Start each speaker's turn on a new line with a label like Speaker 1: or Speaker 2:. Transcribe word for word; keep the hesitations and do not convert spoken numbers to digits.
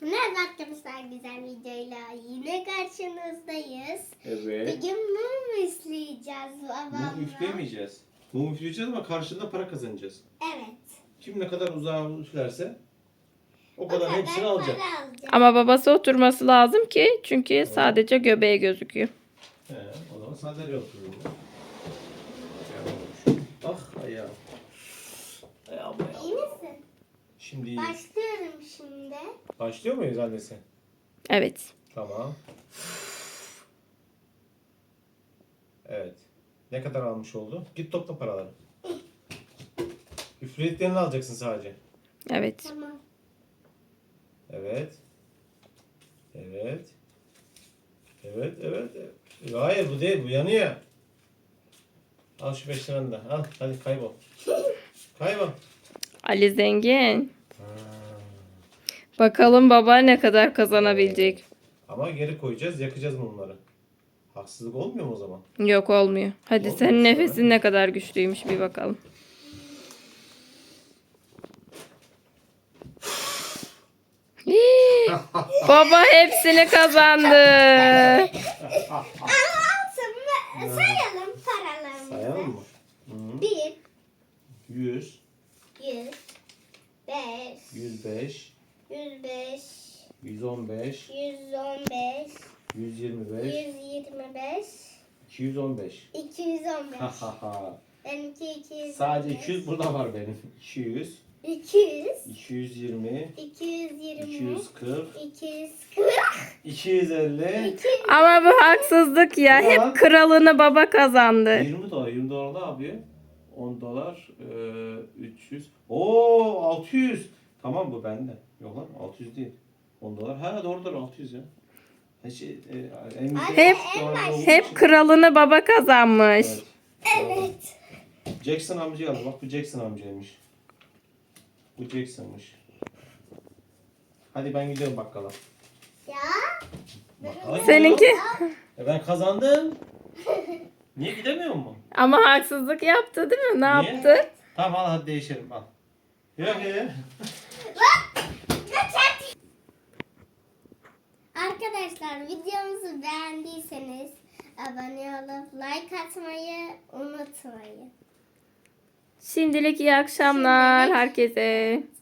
Speaker 1: Merhaba arkadaşlar, güzel videoyla yine karşınızdayız.
Speaker 2: Evet.
Speaker 1: Bugün mum üfleyeceğiz babamla.
Speaker 2: Mum üflemeyeceğiz. Mum üfleyeceğiz ama karşılığında para kazanacağız.
Speaker 1: Evet.
Speaker 2: Kim ne kadar uzağa üflerse o
Speaker 1: O
Speaker 2: kadar
Speaker 1: kadar
Speaker 2: hepsini alacak.
Speaker 1: para alacak.
Speaker 3: Ama babası oturması lazım ki çünkü sadece göbeği gözüküyor.
Speaker 2: He, o zaman sandalye otururum. Ah ayağım. Ayağım ayağım.
Speaker 1: İyi misin?
Speaker 2: Şimdi iyi.
Speaker 1: Başlıyorum şimdi.
Speaker 2: Başlıyor muyuz annesi?
Speaker 3: Evet.
Speaker 2: Tamam. Evet. Ne kadar almış oldu? Git topla paraları. Üflediklerini alacaksın sadece.
Speaker 3: Evet.
Speaker 1: Tamam.
Speaker 2: Evet. Evet. Evet, evet. evet. Hayır bu değil, bu yanıyor. Al şu beş liranı da. Al, hadi kaybol. Kaybol.
Speaker 3: Ali zengin.
Speaker 2: Ha.
Speaker 3: Bakalım baba ne kadar kazanabilecek.
Speaker 2: Ama geri koyacağız, yakacağız mumları. Haksızlık olmuyor mu o zaman?
Speaker 3: Yok olmuyor. Hadi
Speaker 2: Olmuyor
Speaker 3: senin
Speaker 2: mu?
Speaker 3: nefesin ne kadar güçlüymüş bir bakalım. Hii, baba hepsini kazandı.
Speaker 1: Ama altın sayalım paralarımızı.
Speaker 2: Sayalım mı? Hı.
Speaker 1: Bir,
Speaker 2: yüz,
Speaker 1: yüz, beş,
Speaker 2: yüz beş,
Speaker 1: yüz beş,
Speaker 2: yüz on beş,
Speaker 1: yüz on beş,
Speaker 2: yüz yirmi beş,
Speaker 1: yüz yirmi beş,
Speaker 2: iki yüz on beş.
Speaker 1: iki yüz on beş.
Speaker 2: Ha ha ha.
Speaker 1: Benimki iki yüz on beş.
Speaker 2: Sadece iki yüz burada var benim. iki yüz,
Speaker 1: iki yüz,
Speaker 2: iki yüz yirmi,
Speaker 1: iki yüz yirmi,
Speaker 2: iki yüz kırk,
Speaker 1: iki yüz kırk,
Speaker 2: iki yüz elli,
Speaker 3: Ama bu haksızlık ya.
Speaker 2: Ya.
Speaker 3: Hep kralını baba kazandı.
Speaker 2: yirmi dolar. yirmi dolar ne yapıyor? on dolar, eee, üç yüz. Oo altı yüz. Tamam bu bende. Yok lan altı yüz değil. on dolar. Ha doğru doğru altı yüz ya. Ha, Şey, e, en
Speaker 3: Hep-
Speaker 2: dolar olduğu
Speaker 3: Hep
Speaker 2: için-
Speaker 3: kralını baba kazanmış.
Speaker 2: Evet.
Speaker 1: Evet.
Speaker 2: Jackson amcayı aldı. Bak bu Jackson amcaymış. Bu Jackson'mış. Hadi ben gidiyorum bakkala.
Speaker 1: Ya.
Speaker 2: Bakkala
Speaker 3: Seninki
Speaker 2: gidiyorum. E ben kazandım. Niye gidemiyor mu?
Speaker 3: ama haksızlık yaptı değil mi? Ne
Speaker 2: Niye?
Speaker 3: yaptı?
Speaker 2: Tamam al hadi değişelim al. Yok ya.
Speaker 1: Arkadaşlar videomuzu beğendiyseniz abone olup like atmayı unutmayın.
Speaker 3: Şimdilik iyi akşamlar
Speaker 1: Şimdilik-
Speaker 3: herkese.